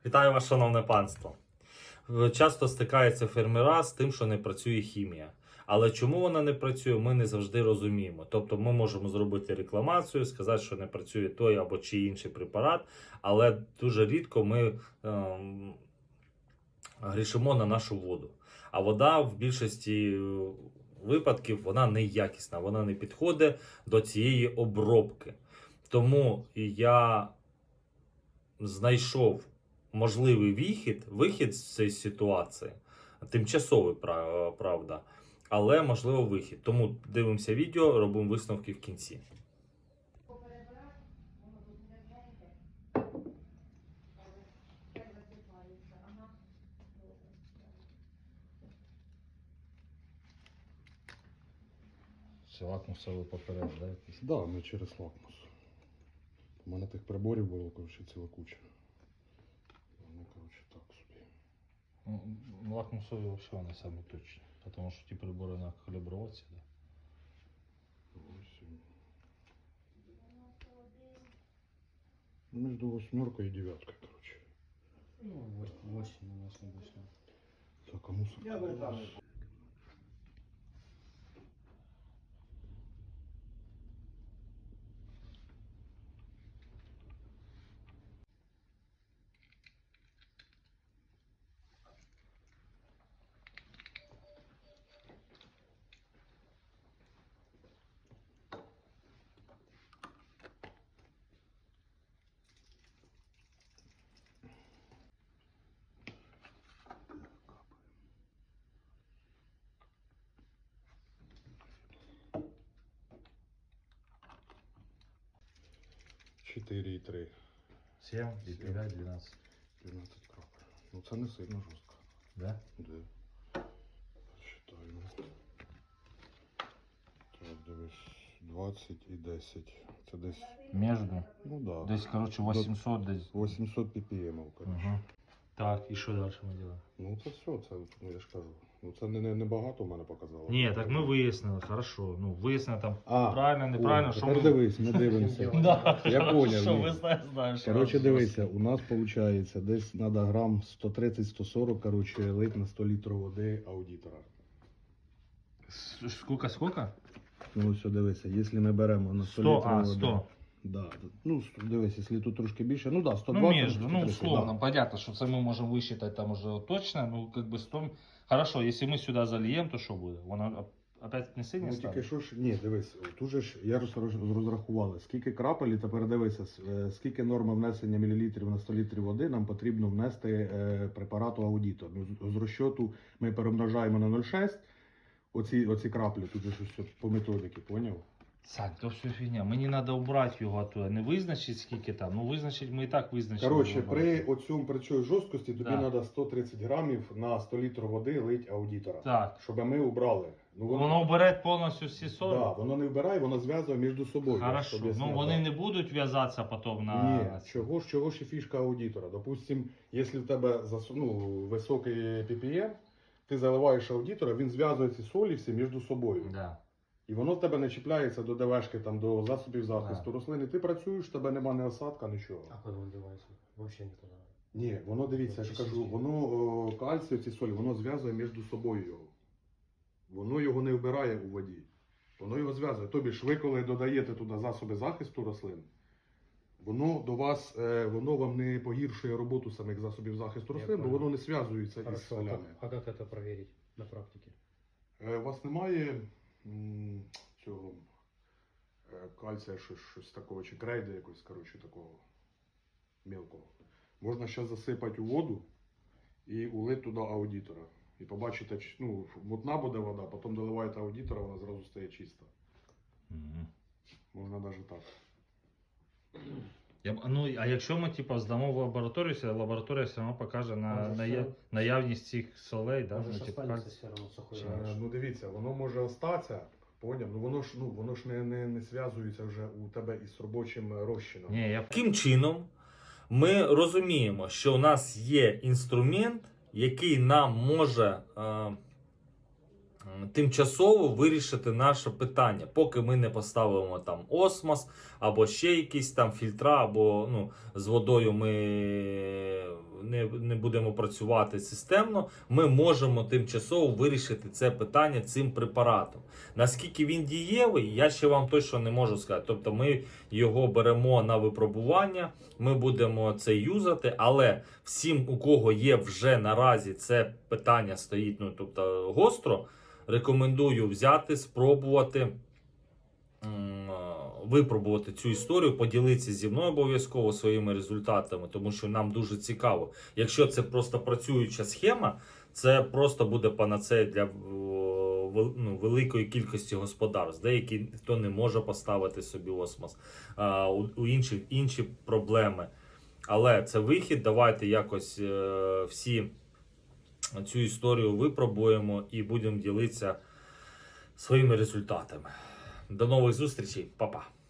Вітаю вас, шановне панство. Часто стикаються фермера з тим, що не працює хімія. Але чому вона не працює, ми не завжди розуміємо. Тобто ми можемо зробити рекламацію, сказати, що не працює той або чи інший препарат, але дуже рідко ми грішимо на нашу воду. А вода в більшості випадків вона неякісна, вона не підходить до цієї обробки. Тому я знайшов можливий вихід з цієї ситуації, тимчасовий, правда, але можливо вихід. Тому дивимося відео, робимо висновки в кінці. Це лакмусовий папірець, да, якийсь? Да, ми через лакмус. У мене тих приборів було, коротше, ціла куча. Вони, коротше, так собі. Ну, лакмусові взагалі вони самі точні. Тому що ті прибори на калібровці, да. Ось. Між восьмеркою і дев'яткою, коротше. Ну, 8 у нас обычно. Так, а мусор? Я бы так. Чотири і 3. 7 і 5, 12. 12 крапель. Ну це не сильно жорстко. Да? Де? Считаємо. Так, дивись. 20 і 10. Це десь, Между. ну да. Десь, коротше, 800 десь. 800 ppm, коротше. Угу. Так, і що далі ми робимо? Ну це все, це, ну я ж кажу. Ну це не багато в мене показало. Ні, так ми вияснили, хорошо. Ну, вияснили там А, правильно, неправильно, о, що тепер ми... дивись, ми дивимося. Да. Я поняв, Що ні. ви знаєш. Коротше, дивися, у нас виходить десь треба грам 130-140, коротше, лить на 100 літрів води аудитора. Сколько? Ну ось дивися, якщо ми беремо на 100 100, літрів води. 100. Да. Ну, дивись, якщо тут трошки більше, ну да, 120. Ну, между, ну, 130, условно, понятно, что це ми можемо висчитати там уже точно, ну, как бы 100... Хорошо, если мы сюда зальем, то що буде? Воно опять не сильно Ну стане? тільки що ж, ні, дивись, тут же ж я розрахували, скільки крапель, і тепер дивися, скільки норма внесення мілілітрів на 100 літрів води нам потрібно внести препарату аудитор. Ну, з розчоту ми перемножаємо на 0,6, оці краплі, тут же щось по методики, поняв? Сань, то все фігня. Мені треба убрати його оттуда. Не визначити скільки там, ну визначить ми і так визначили. Коротше, при цій жорсткості тобі Да. треба 130 грамів на 100 літрів води лить аудитора. Так. Щоб ми убрали. Ну, Воно бере повністю всі 40? Да, воно не вбирає, воно зв'язує між собою. Хорошо. щоб я Ну зняв, вони да. не будуть в'язатися потім на... Ні, чого ж і фішка аудитора. Допустим, якщо в тебе високий PPM, ти заливаєш аудитора, він зв'язує ці солі всі між собою. Да. І воно в тебе не чіпляється до ДВшки, там, до засобів захисту рослини. Ти працюєш, в тебе нема ні осадка, нічого. А куда он девается? Вообще никуда. Ні, воно дивіться, я ж кажу, воно кальцію, ці солі, воно зв'язує між собою його. Воно його не вбирає у воді. Воно його зв'язує. Тобі ж ви, коли додаєте туди засоби захисту рослин, воно до вас, воно вам не погіршує роботу самих засобів захисту Я рослин, бо понял. воно не зв'язується із Хорошо. солями. А как это проверить на практике? У вас немає цього кальція, щось такого, чи крейда якось, коротше, такого мілкого. Можна зараз засипати у воду і улити туди аудитора. І побачите, ну, мутна буде вода, потім доливаєте аудитора, вона зразу стає чиста. Мгм. Можна навіть так. Ну, а якщо ми типу, здамо в лабораторію, лабораторія все одно покаже наявність цих солей, да? Может, Ну, типу, останется кальцій. все равно сухой. Ну дивіться, воно може остатися, поняв? Ну воно ж не зв'язується вже у тебе із робочим розчином. Ні, я... Таким чином, ми розуміємо, що у нас є інструмент, який нам може тимчасово вирішити наше питання, поки ми не поставимо там осмос, або ще якісь там фільтра, або з водою ми не будемо працювати системно, ми можемо тимчасово вирішити це питання цим препаратом. Наскільки він дієвий, я ще вам точно не можу сказати. Тобто ми його беремо на випробування, ми будемо це юзати, але всім, у кого є вже наразі це питання стоїть, ну тобто гостро, рекомендую взяти, спробувати, випробувати цю історію, поділитися зі мною обов'язково своїми результатами, тому що нам дуже цікаво. Якщо це просто працююча схема, це просто буде панацея для великої кількості господарств. Деякі хто не може поставити собі осмос, у інших інші проблеми. Але це вихід. Давайте якось всі цю історію випробуємо і будемо ділитися своїми результатами. До нових зустрічей, па-па!